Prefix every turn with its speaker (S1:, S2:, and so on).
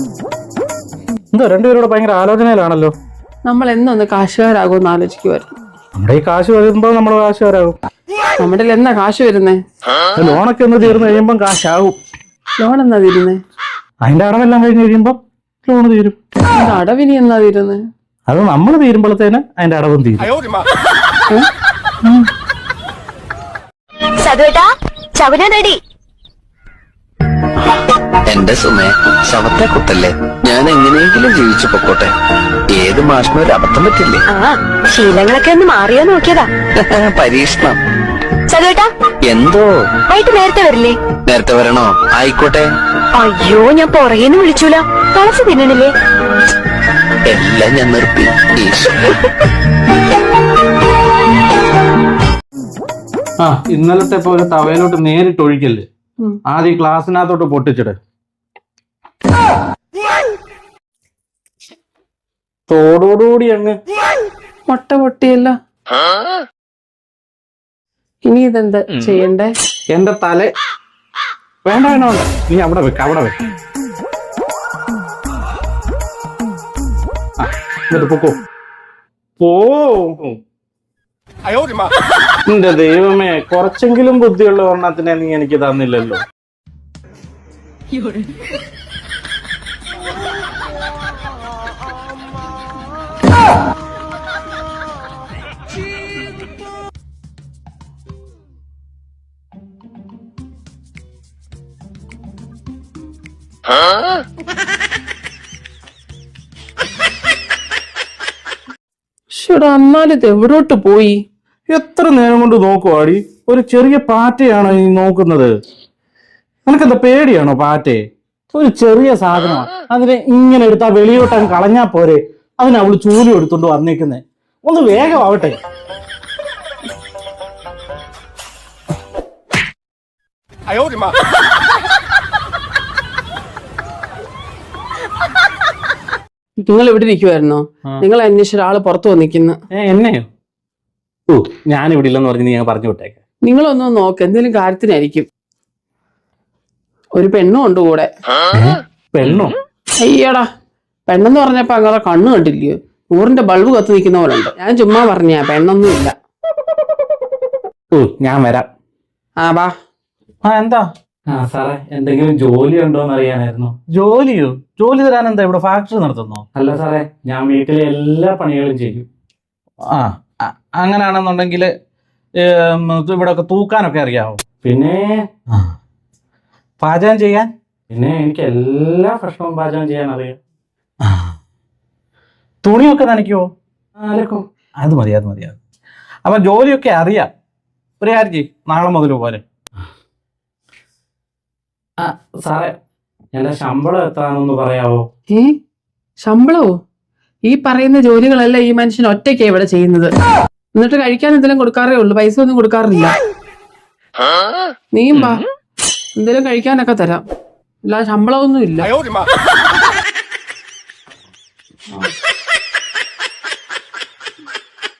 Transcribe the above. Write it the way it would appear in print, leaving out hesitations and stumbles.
S1: എന്തോ രണ്ടുപേരോട് ഭയങ്കര ആലോചനയിലാണല്ലോ.
S2: നമ്മൾ എന്നൊന്ന് കാശുകാരാകുമെന്ന് ആലോചിക്കുമായിരുന്നു.
S1: നമ്മുടെ ഈ കാശ് വരുമ്പോ നമ്മൾ കാശുകാരാകും.
S2: നമ്മുടെ എന്നാ കാശ് വരുന്നേ?
S1: ലോണൊക്കെ ഒന്ന് തീർന്നു കഴിയുമ്പം കാശാകും.
S2: ലോൺ എന്നാ തീരുന്നേ?
S1: അതിന്റെ അടവെല്ലാം കഴിഞ്ഞ് കഴിയുമ്പം ലോണ് തീരും.
S2: അടവിനി എന്നാ തീരുന്നേ?
S1: അത് നമ്മൾ തീരുമ്പോഴത്തേന് അതിന്റെ അടവും തീരും.
S3: എന്റെ സുമേ, ശവത്തെ കുത്തല്ലേ, ഞാൻ എങ്ങനെയെങ്കിലും ജീവിച്ചു പൊക്കോട്ടെ. ഏത് മാഷിനും ഒരു അബദ്ധം പറ്റില്ലേ?
S4: ശീലങ്ങളൊക്കെ ഒന്ന് മാറിയോ നോക്കിയതാ.
S3: പരീക്ഷണം.
S4: ചതുവേട്ടാ,
S3: എന്തോ
S4: വൈകിട്ട് നേരത്തെ വരില്ലേ?
S3: നേരത്തെ വരണോ? ആയിക്കോട്ടെ.
S4: അയ്യോ, ഞാൻ പുറകേന്ന് വിളിച്ചൂല. തുളസി തിന്നണില്ലേ?
S3: എല്ലാം ഞാൻ നിർത്തി.
S1: ആ ഇന്നലത്തെ പോലെ തവയിലോട്ട് നേരിട്ട് ഒഴിക്കല്ലേ. ആദ്യം ഗ്ലാസിനകത്തോട്ട് പൊട്ടിച്ചിട്. തോടോടുകൂടി അങ്ങ്
S2: മുട്ട പൊട്ടിയല്ലോ. ഇനി ഇതെന്താ ചെയ്യണ്ടേ?
S1: എന്റെ തല വേണ്ട വേണ്ട വേണ്ട, നീ അവിടെ വെക്ക, അവിടെ വെക്ക. എന്നിട്ട് പൊക്കോ. പോ. എന്റെ ദൈവമേ, കുറച്ചെങ്കിലും ബുദ്ധിയുള്ള ഒരെണ്ണത്തിനെ നീ എനിക്ക് തന്നില്ലല്ലോ.
S2: എന്നാലും ഇത് എവിടോട്ട് പോയി?
S1: എത്ര നേരം കൊണ്ട് നോക്കുവാടി? ഒരു ചെറിയ പാറ്റയാണോ നീ നോക്കുന്നത്? നിനക്കെന്താ പേടിയാണോ പാറ്റയെ? ഒരു ചെറിയ സാധനമാണ്, അതിനെ ഇങ്ങനെ എടുത്താ വെളിയോട്ടം കളഞ്ഞാ പോരെ. അതിന് അവള് ചൂലും എടുത്തോണ്ട് വന്നേക്കുന്നേ. ഒന്ന് വേഗം ആവട്ടെ.
S2: നിങ്ങൾ ഇവിടെ ഇരിക്കുവായിരുന്നോ? നിങ്ങൾ അന്വേഷിച്ച ഒരാള് പുറത്തു വന്നിരിക്കുന്നു.
S1: എന്നെയോ? ഓ, ഞാനിവിടെ ഇല്ലെന്ന് പറഞ്ഞ് ഞാൻ പറഞ്ഞു വിട്ടേക്ക.
S2: നിങ്ങളൊന്ന് നോക്ക്, എന്തെങ്കിലും കാര്യത്തിനായിരിക്കും. ഒരു പെണ്ണും ഉണ്ട് കൂടെ.
S1: പെണ്ണോ?
S2: അയ്യടാ, പെണ്ണെന്ന് പറഞ്ഞപ്പോ അങ്ങനെ കണ്ണു കണ്ടില്ലയോ? 100-ന്റെ ബൾബ് കത്ത് നിൽക്കുന്ന പോലെ ഉണ്ട്. ഞാൻ ചുമ്മാ പറഞ്ഞ പെണ്ണൊന്നും ഇല്ല.
S1: ഓ, ഞാൻ വരാം.
S2: വാ.
S1: എന്താ? സാറേ, എന്തെങ്കിലും ജോലി ഉണ്ടോന്ന് അറിയാനായിരുന്നു. ജോലിയോ? ജോലി തരാൻ എന്താ, ഇവിടെ ഫാക്ടറി നടത്തുന്നോ? അല്ല സാറേ, ഞാൻ വീട്ടിലെ എല്ലാ പണികളും ചെയ്യും. അങ്ങനെയാണെന്നുണ്ടെങ്കിൽ ഇവിടെ ഒക്കെ തൂക്കാനൊക്കെ അറിയാവോ? പിന്നെ പാചകം ചെയ്യാൻ? പിന്നെ എനിക്ക് എല്ലാ ഭക്ഷണവും പാചകം ചെയ്യാൻ അറിയാം. തുണിയൊക്കെ നനയ്ക്കുവോ? അലക്കും. അത് മതി, അത് മതി. അപ്പൊ ജോലിയൊക്കെ അറിയാം. ഒരു കാര്യം ചെയ്യും, നാളെ മുതൽ പോലെ. സാറേ, എന്റെ ശമ്പളം എത്രയാണെന്ന് പറയാവോ?
S2: ശമ്പളവോ? ഈ പറയുന്ന ജോലികളെല്ലാം ഈ മനുഷ്യൻ ഒറ്റയ്ക്കാ ഇവിടെ ചെയ്യുന്നത്. എന്നിട്ട് കഴിക്കാൻ എന്തെങ്കിലും കൊടുക്കാറേ ഉള്ളു, പൈസ ഒന്നും കൊടുക്കാറില്ല. നീയും വാ, എന്തെങ്കിലും കഴിക്കാനൊക്കെ തരാം. അല്ല, ശമ്പളമൊന്നും ഇല്ല.